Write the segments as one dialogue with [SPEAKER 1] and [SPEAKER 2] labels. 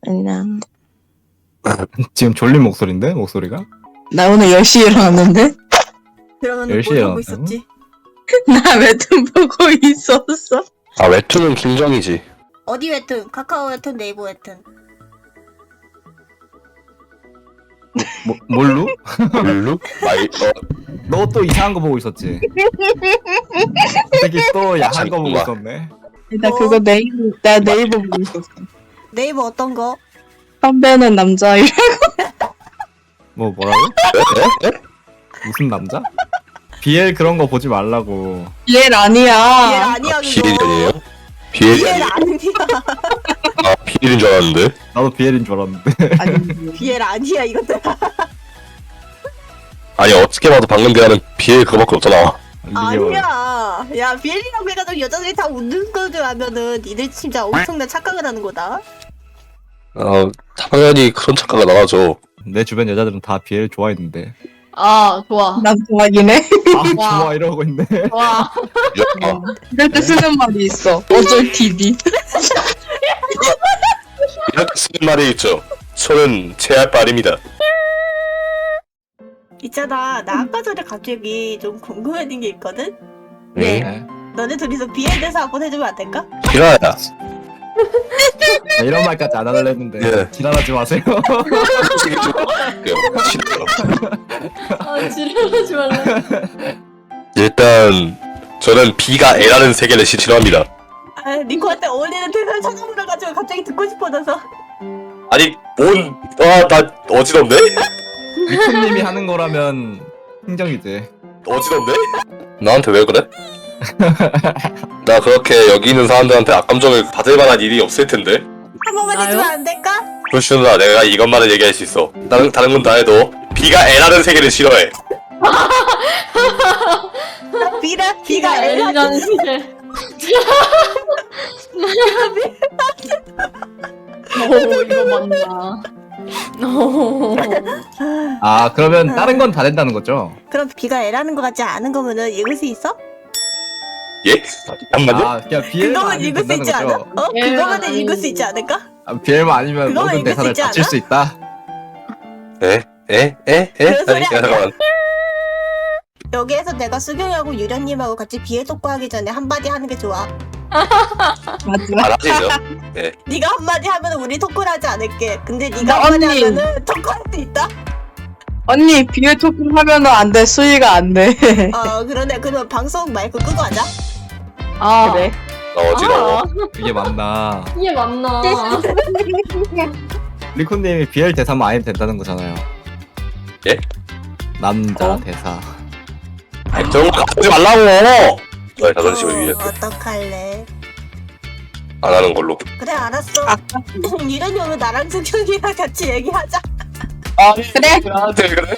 [SPEAKER 1] 안녕.
[SPEAKER 2] 지금 졸린 목소리인데? 목소리가?
[SPEAKER 1] 나 오늘 10시에 일어났는데?
[SPEAKER 3] 그러면
[SPEAKER 2] 10시에
[SPEAKER 3] 뭘 하고
[SPEAKER 2] 일어났다고?
[SPEAKER 3] 있었지?
[SPEAKER 1] 나 웹툰 보고 있었어.
[SPEAKER 4] 아 웹툰은 김정이지.
[SPEAKER 3] 어디 웹툰? 카카오 웹툰, 네이버 웹툰.
[SPEAKER 2] 뭘로?
[SPEAKER 4] 블루?
[SPEAKER 2] 너 또 이상한 거 보고 있었지? 되게 또 야한 거 보고 있었네.
[SPEAKER 1] 나 그거 네이버 보고 있었어.
[SPEAKER 3] 네이버 어떤 거?
[SPEAKER 1] 선배는 남자이라.
[SPEAKER 2] 뭐라고? 무슨 남자? BL 그런 거 보지 말라고.
[SPEAKER 1] 얘 아니야.
[SPEAKER 3] 비엘 아니야
[SPEAKER 4] 비엘이
[SPEAKER 3] 그거.
[SPEAKER 4] 아니에요? 비엘이
[SPEAKER 3] 비엘
[SPEAKER 4] 아니에요?
[SPEAKER 3] 아니야.
[SPEAKER 4] 아 비엘인 줄 알았는데.
[SPEAKER 2] 나도 BL인 줄 알았는데.
[SPEAKER 1] 아니.
[SPEAKER 3] 비엘 아니야 이것들.
[SPEAKER 4] 아니 어떻게 봐도 방금 대화는 비엘 그거밖에 없잖아.
[SPEAKER 2] 이게
[SPEAKER 3] 아니야. 야 비엘이라고 해가지고 여자들이 다 웃는 거줄 알면은 니들 진짜 엄청난 착각을 하는 거다.
[SPEAKER 4] 당연히 그런 착각가 나가죠.
[SPEAKER 2] 내 주변 여자들은 다 BL 좋아했는데.
[SPEAKER 5] 아, 좋아.
[SPEAKER 1] 난 좋아하긴 해.
[SPEAKER 2] 아 좋아 이러고 있네.
[SPEAKER 5] 좋아.
[SPEAKER 4] 야,
[SPEAKER 1] 이럴 때 쓰는 말이 있어. 어쩔 TV.
[SPEAKER 4] 이렇게 쓰는 말이 있죠. 손은 제할 바입니다.
[SPEAKER 3] 있잖아 나 아까 전에 갑자기 좀 궁금해진 게 있거든?
[SPEAKER 2] 네.
[SPEAKER 3] 너네 둘이서 비엘 대사 한번 해주면 안 될까?
[SPEAKER 4] 기라야.
[SPEAKER 2] 이런 말까지 안 하려 했는데
[SPEAKER 4] 예.
[SPEAKER 2] 지랄하지 마세요.
[SPEAKER 4] 솔직히 좀 싫어요.
[SPEAKER 5] 아, 지랄하지 말라.
[SPEAKER 4] 일단 저는 B가 L라는 세계를 싫어합니다.
[SPEAKER 3] 아 니코한테 어울리는 대사를 찾아보려가지고 갑자기 듣고 싶어져서.
[SPEAKER 4] 아니 나 어지럽네?
[SPEAKER 2] 미코님이 하는 거라면 흥정이지.
[SPEAKER 4] 어지럽네? 나한테 왜 그래? 나 그렇게 여기 있는 사람들한테 악감정을 받을 만한 일이 없을 텐데.
[SPEAKER 3] 한 번만
[SPEAKER 5] 나요?
[SPEAKER 3] 해주면 안 될까?
[SPEAKER 4] 그렇시누나 내가 이것만은 얘기할 수 있어. 다른 건 다 해도 B가 L라는 세계를 싫어해.
[SPEAKER 3] 나 비가 애라.
[SPEAKER 5] L이라는 시계. 오, 이거 맞나. 오.
[SPEAKER 2] 아 그러면 다른 건 다 된다는 거죠?
[SPEAKER 3] 그럼 비가 애라는 거 같지 않은 거면은 읽을 수 있어?
[SPEAKER 4] 예? 잠깐만요.
[SPEAKER 2] 아 그냥 BL만
[SPEAKER 3] 그거만
[SPEAKER 2] 아니면
[SPEAKER 3] 읽을 수 있지
[SPEAKER 2] 된다는
[SPEAKER 3] 않아?
[SPEAKER 2] 거죠?
[SPEAKER 3] 그거만
[SPEAKER 5] 아니.
[SPEAKER 3] 읽을 수 있지 않을까?
[SPEAKER 2] BL만 아니면
[SPEAKER 3] 그거만
[SPEAKER 2] 모든
[SPEAKER 3] 읽을 수
[SPEAKER 2] 대사를
[SPEAKER 3] 있지
[SPEAKER 2] 다칠
[SPEAKER 3] 않아?
[SPEAKER 2] 수 있다?
[SPEAKER 3] 그런 소리
[SPEAKER 4] 아니,
[SPEAKER 3] 아니야?
[SPEAKER 4] 잠깐만.
[SPEAKER 3] 여기에서 내가 수경이하고 유련님하고 같이 비애 속보하기 전에 한마디 하는 게 좋아.
[SPEAKER 1] 맞아.
[SPEAKER 4] 안 하시죠?
[SPEAKER 3] 네가 한마디 하면 우리 토크를 하지 않을게. 근데 네가
[SPEAKER 1] 나
[SPEAKER 3] 한마디
[SPEAKER 1] 언니.
[SPEAKER 3] 하면은 토크할 수 있다?
[SPEAKER 1] 언니 비에 토크 하면은 안 돼. 수위가 안 돼.
[SPEAKER 3] 그러네. 그러면 방송 마이크 끄고 하자.
[SPEAKER 5] 아,
[SPEAKER 1] 그래.
[SPEAKER 4] 나 어지러워.
[SPEAKER 5] 아,
[SPEAKER 2] 이게 맞나?
[SPEAKER 5] 이게 맞나.
[SPEAKER 2] 리코님이 BL 대사만 아니면 된다는 거잖아요.
[SPEAKER 4] 예?
[SPEAKER 2] 남자 대사.
[SPEAKER 4] 저런 거 하지 말라고! 왜 자존심을 위해
[SPEAKER 3] 어떡할래?
[SPEAKER 4] 안 하는 걸로.
[SPEAKER 3] 그래 알았어.
[SPEAKER 1] 아까
[SPEAKER 3] 유련이 오면 나랑 수경이랑 같이 얘기하자.
[SPEAKER 1] 그래.
[SPEAKER 4] 나한테 그래?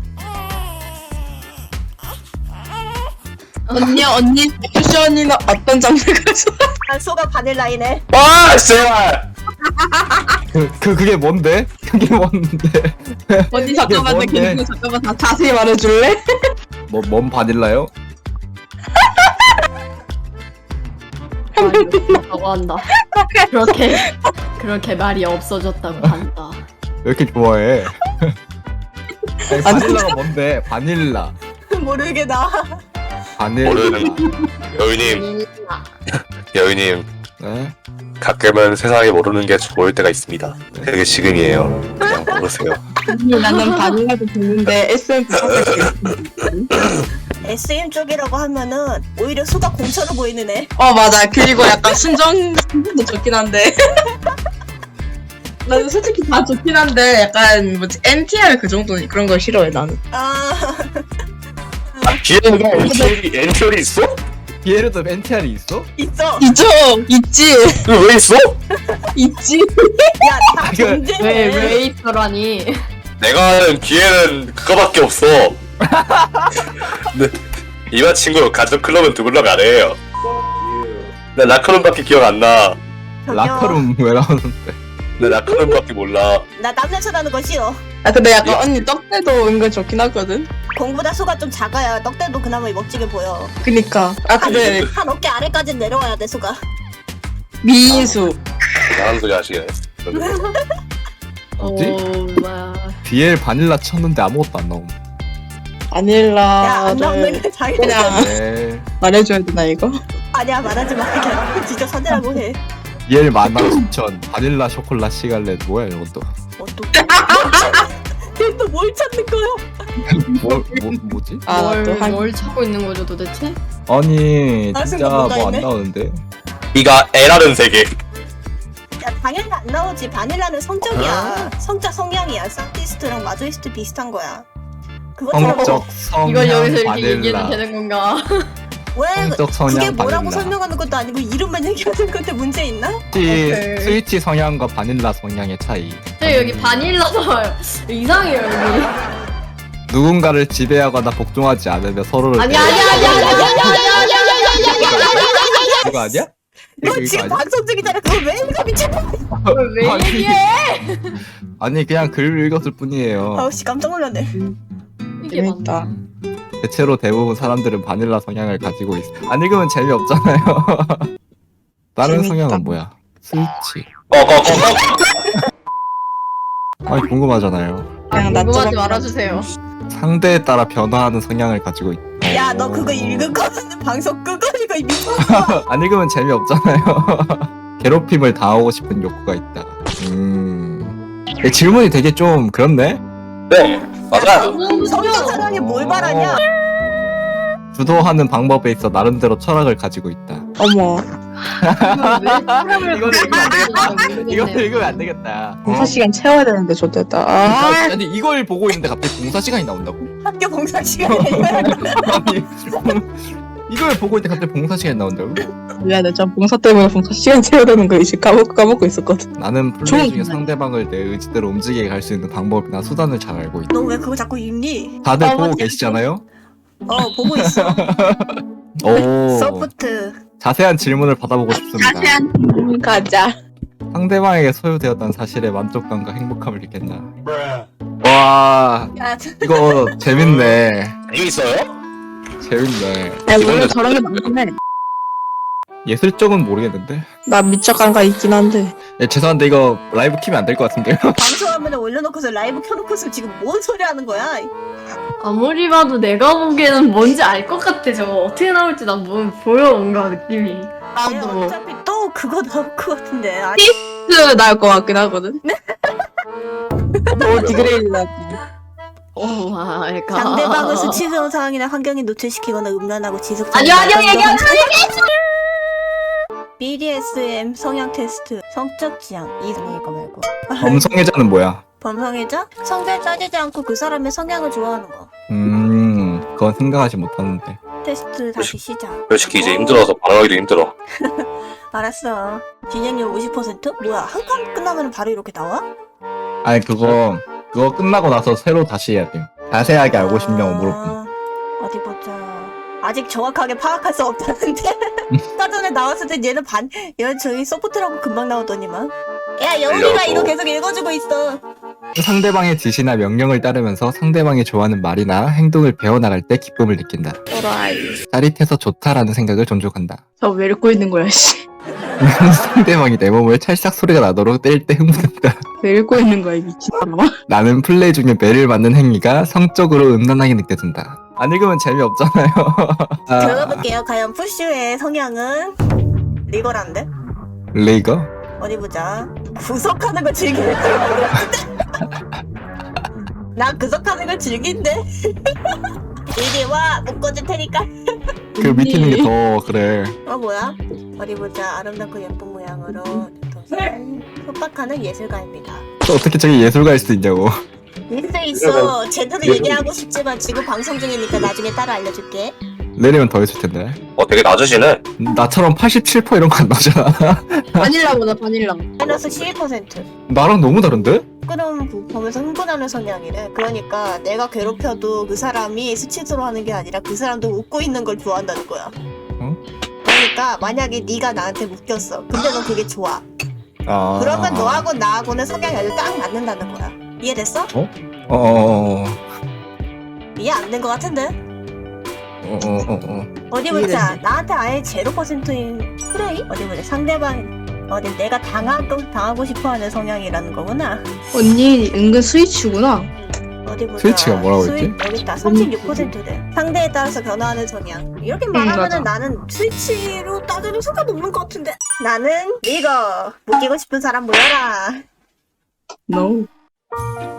[SPEAKER 1] 언니 쿠션이는 어떤 장르가 좋아?
[SPEAKER 3] 소가 바닐라이네.
[SPEAKER 4] 아, 제발!
[SPEAKER 2] 그게 뭔데? 그게 뭔데?
[SPEAKER 1] 언니 잠깐만 나
[SPEAKER 2] 뭔데?
[SPEAKER 1] 그리고 잠깐만 다 자세히 말해줄래?
[SPEAKER 2] 뭔 바닐라요?
[SPEAKER 5] 라고 한다. 그렇게 말이 없어졌다고 한다.
[SPEAKER 2] 왜 이렇게 좋아해? 아니, 바닐라가 뭔데? 바닐라.
[SPEAKER 3] 모르겠다.
[SPEAKER 2] 바닐라.
[SPEAKER 4] 모르는 여유님, 여유님.
[SPEAKER 2] 네?
[SPEAKER 4] 가끔은 세상에 모르는 게 좋을 때가 있습니다. 되게 지금이에요. 그냥 모르세요.
[SPEAKER 1] 나는 바닐라도 듣는데 SM
[SPEAKER 3] SM 쪽이라고 하면은 오히려 수가 공처럼 보이는 애.
[SPEAKER 1] 맞아. 그리고 약간 순정도 좋긴 한데. 나는 솔직히 다 좋긴 한데 약간 뭐지 NTR 그 정도 그런 걸 싫어해 나는.
[SPEAKER 4] 뒤에는 엔트리 있어?
[SPEAKER 2] BL에도 NTR이 있어?
[SPEAKER 3] 있어.
[SPEAKER 1] 있지.
[SPEAKER 4] 이거 왜 있어?
[SPEAKER 1] 있지.
[SPEAKER 3] 야, 다
[SPEAKER 2] 그-
[SPEAKER 3] 존재해.
[SPEAKER 5] 왜 있더라니.
[SPEAKER 4] 내가 아는 뒤에는 그거밖에 없어. 근데 이만 친구 가족 클럽은 두블럭 안 해요. 나 라커룸밖에 기억 안 나.
[SPEAKER 2] 라커룸 왜 나오는데?
[SPEAKER 4] 나 라커룸밖에 몰라.
[SPEAKER 3] 나 땀냄새나는 거 싫어.
[SPEAKER 1] 근데 약간 언니 떡대도 은근 좋긴 하거든.
[SPEAKER 3] 공보다 수가 좀 작아야 떡대도 그나마 멋지게 보여.
[SPEAKER 1] 그니까. 근데
[SPEAKER 3] 한 어깨 아래까지 내려와야 돼 수가.
[SPEAKER 1] 미인수.
[SPEAKER 4] 나하는 소리 하시네.
[SPEAKER 2] 뭐지?
[SPEAKER 5] 뭐야.
[SPEAKER 2] BL 바닐라 쳤는데 아무것도 안 나옴.
[SPEAKER 3] 야안 나오는
[SPEAKER 1] 바닐라를
[SPEAKER 3] 게 자기
[SPEAKER 1] 그냥
[SPEAKER 2] 네.
[SPEAKER 1] 말해줘야 되나 이거?
[SPEAKER 3] 아니야 말하지 마 그냥 진짜 사내라고 해.
[SPEAKER 2] BL 만화 추천 바닐라 쇼콜라 시갈렛 뭐야 이것도.
[SPEAKER 3] 또뭘 찾는 거야?
[SPEAKER 2] 뭐지?
[SPEAKER 5] 뭘 찾고 있는 거죠 도대체?
[SPEAKER 2] 아니
[SPEAKER 3] 아,
[SPEAKER 2] 진짜
[SPEAKER 3] 뭔가
[SPEAKER 2] 뭐 안
[SPEAKER 3] 있네.
[SPEAKER 2] 나오는데.
[SPEAKER 4] 네가 애라는 세계.
[SPEAKER 3] 야 바닐라 안 나오지. 바닐라는 성적이야. 성적 성향이야. 산티스트랑 마조이스트 비슷한 거야. 그것처럼
[SPEAKER 2] 성적 성향
[SPEAKER 5] 이걸 여기서 이렇게
[SPEAKER 2] 바닐라.
[SPEAKER 5] 얘기해도 되는 건가?
[SPEAKER 3] 왜
[SPEAKER 2] 성적 성향
[SPEAKER 3] 그게 뭐라고
[SPEAKER 2] 바닐라.
[SPEAKER 3] 설명하는 것도 아니고 이름만 얘기하는 건데 문제 있나?
[SPEAKER 2] 스위치 성향과 바닐라 성향의 차이.
[SPEAKER 5] 저 여기 바닐라 나와요. 이상해요 여기.
[SPEAKER 2] 누군가를 지배하거나 복종하지 않으며 서로를
[SPEAKER 5] 아니.
[SPEAKER 2] 이거 아니야?
[SPEAKER 3] 너
[SPEAKER 2] 이거
[SPEAKER 3] 지금
[SPEAKER 2] 아니야?
[SPEAKER 3] 방송 중이잖아. 그걸 왜 읽어 미친놈.
[SPEAKER 5] 왜
[SPEAKER 2] 아니,
[SPEAKER 5] 얘기해?
[SPEAKER 2] 아니 그냥 글을 읽었을 뿐이에요.
[SPEAKER 3] 아우씨 깜짝 놀랐네.
[SPEAKER 5] 이게 맞나?
[SPEAKER 1] 재밌다.
[SPEAKER 2] 대체로 대부분 사람들은 바닐라 성향을 가지고 있어. 안 읽으면 재미없잖아요. 다른
[SPEAKER 1] 재밌다.
[SPEAKER 2] 성향은 뭐야? 스위치. 아니 궁금하잖아요.
[SPEAKER 1] 그냥
[SPEAKER 5] 궁금하지
[SPEAKER 1] 나처럼
[SPEAKER 5] 말아주세요.
[SPEAKER 2] 상대에 따라 변화하는 성향을 가지고 있.
[SPEAKER 3] 야 너 그거 읽은 거는 방송 끄고 이거 이 미쳤어.
[SPEAKER 2] 안 읽으면 재미없잖아요. 괴롭힘을 당하고 싶은 욕구가 있다. 이 질문이 되게 좀 그렇네.
[SPEAKER 4] 네, 맞아요.
[SPEAKER 3] 성적 사랑에 뭘 바라냐?
[SPEAKER 2] 주도하는 방법에 있어 나름대로 철학을 가지고 있다.
[SPEAKER 1] 어머
[SPEAKER 5] 이거는
[SPEAKER 2] 이거 읽으면 안 되겠다.
[SPEAKER 1] 봉사 시간 채워야 되는데 좋겠다. 아,
[SPEAKER 2] 아니 이걸 보고 있는데 갑자기 봉사 시간이 나온다고?
[SPEAKER 3] 학교 봉사 시간에
[SPEAKER 2] 아니 이걸 보고 있는데 갑자기 봉사 시간이 나온다고?
[SPEAKER 1] 미안해. 전 봉사 때문에 봉사 시간 채워야 되는 거 이제 까먹고 있었거든.
[SPEAKER 2] 나는 플레이
[SPEAKER 1] 좋은
[SPEAKER 2] 중에
[SPEAKER 1] 생각이야.
[SPEAKER 2] 상대방을 내 의지대로 움직이게 할 수 있는 방법이나 수단을 잘 알고 있다.
[SPEAKER 3] 너 왜 그거 자꾸 읽니?
[SPEAKER 2] 다들 보고
[SPEAKER 1] 맞아.
[SPEAKER 2] 계시잖아요?
[SPEAKER 3] 보고 있어.
[SPEAKER 2] 오
[SPEAKER 3] 소프트.
[SPEAKER 2] 자세한 질문을 받아보고 싶습니다.
[SPEAKER 1] 가자.
[SPEAKER 2] 상대방에게 소유되었다는 사실에 만족감과 행복함을 느꼈나? 와
[SPEAKER 3] 야
[SPEAKER 2] 이거 재밌네.
[SPEAKER 4] 재밌어요?
[SPEAKER 2] 재밌네.
[SPEAKER 1] 야, 원래 저런 게 많긴 해.
[SPEAKER 2] 예술 쪽은 모르겠는데.
[SPEAKER 1] 나 미쳐간 거 있긴 한데.
[SPEAKER 2] 죄송한데 이거 라이브 키면 안 될 것 같은데요?
[SPEAKER 3] 방송화면에 올려놓고서 라이브 켜놓고서 지금 뭔 소리 하는 거야?
[SPEAKER 5] 아무리 봐도 내가 보기에는 뭔지 알 것 같아. 저거 어떻게 나올지 난 뭐 보여 뭔가 느낌이.
[SPEAKER 1] 나도
[SPEAKER 3] 어차피 또 그거 나올 것 같은데. 아니,
[SPEAKER 1] 나올 것 같긴 하거든. 뭐 디그레일라.
[SPEAKER 5] 오 마이 갓.
[SPEAKER 3] 상대방을 수치스러운 상황이나 환경에 노출시키거나 음란하고 지속적인
[SPEAKER 5] 아니요 얘기하지.
[SPEAKER 3] BDSM 성향 테스트 성적 지향 이거 말고
[SPEAKER 2] 범성애자는 뭐야?
[SPEAKER 3] 범성애자? 성별 따지지 않고 그 사람의 성향을 좋아하는 거.
[SPEAKER 2] 그건 생각하지 못하는데.
[SPEAKER 3] 테스트 다시 시작.
[SPEAKER 4] 솔직히 이제 힘들어서 반응하기도 힘들어.
[SPEAKER 3] 알았어. 진행률 50%? 뭐야 한 칸 끝나면 바로 이렇게 나와?
[SPEAKER 2] 아니 그거 끝나고 나서 새로 다시 해야 돼. 자세하게 알고 싶냐고 물어보면.
[SPEAKER 3] 어디 보자. 아직 정확하게 파악할 수 없다는데. 사전에 나왔을 때 얘는 저기 소프트라고 금방 나오더니만. 야 영희가
[SPEAKER 4] 알려줘.
[SPEAKER 3] 이거 계속 읽어주고 있어.
[SPEAKER 2] 상대방의 지시나 명령을 따르면서 상대방이 좋아하는 말이나 행동을 배워나갈 때 기쁨을 느낀다.
[SPEAKER 1] 또라이.
[SPEAKER 2] 짜릿해서 좋다라는 생각을 존중한다.
[SPEAKER 1] 저왜 읽고 있는 거야, 씨.
[SPEAKER 2] 상대방이 내 몸을 찰싹 소리가 나도록 때릴 때 흥분한다.
[SPEAKER 1] 왜 읽고 있는 거야, 이 미친놈아.
[SPEAKER 2] 나는 플레이 중에 매를 맞는 행위가 성적으로 음란하게 느껴진다. 안 읽으면 재미없잖아요.
[SPEAKER 3] 들어볼게요. 과연 푸슈의 성향은 리거란데?
[SPEAKER 2] 레이거?
[SPEAKER 3] 어디 보자. 구석하는 걸 즐기는 걸 모르겠는데? 나 구석하는 걸 즐긴데? 이리 와! 못 꺼질 테니까.
[SPEAKER 2] 그 밑에 있는 게 더 그래.
[SPEAKER 3] 뭐야? 어디 보자. 아름답고 예쁜 모양으로 협박하는 예술가입니다.
[SPEAKER 2] 또 어떻게 저기 예술가일 수도 있냐고.
[SPEAKER 3] 있어. 제대로 얘기하고 싶지만 지금 방송 중이니까 나중에 따로 알려줄게.
[SPEAKER 2] 내리면 더 있을 텐데.
[SPEAKER 4] 되게 낮으시네.
[SPEAKER 2] 나처럼 87% 이런 거 안 나오잖아.
[SPEAKER 1] 바닐라보다 바닐라.
[SPEAKER 3] 마이너스 12%.
[SPEAKER 2] 나랑 너무 다른데?
[SPEAKER 3] 끄는 보면서 흥분하는 성향이래. 그러니까 내가 괴롭혀도 그 사람이 수치스러워하는 게 아니라 그 사람도 웃고 있는 걸 좋아한다는 거야. 그러니까 만약에 네가 나한테 웃겼어. 근데 너 그게 좋아. 그러면 너하고 나하고는 성향이 아주 딱 맞는다는 거야. 이해됐어? 이해 안 된 거 같은데? 어디 보자. 나한테 아예 0%인 프레이? 어디 보자. 상대방 어디 내가 당하고 싶어하는 성향이라는 거구나.
[SPEAKER 1] 언니 은근 스위치구나.
[SPEAKER 3] 어디 보자.
[SPEAKER 2] 스위치가 뭐라고 했지?
[SPEAKER 3] 여기 있다. 36%래. 상대에 따라서 변화하는 성향. 이렇게 말하면은
[SPEAKER 1] 맞아.
[SPEAKER 3] 나는 스위치로 따지는 상관없는 것 같은데. 나는 이거 묶이고 싶은 사람 모여라.
[SPEAKER 1] No.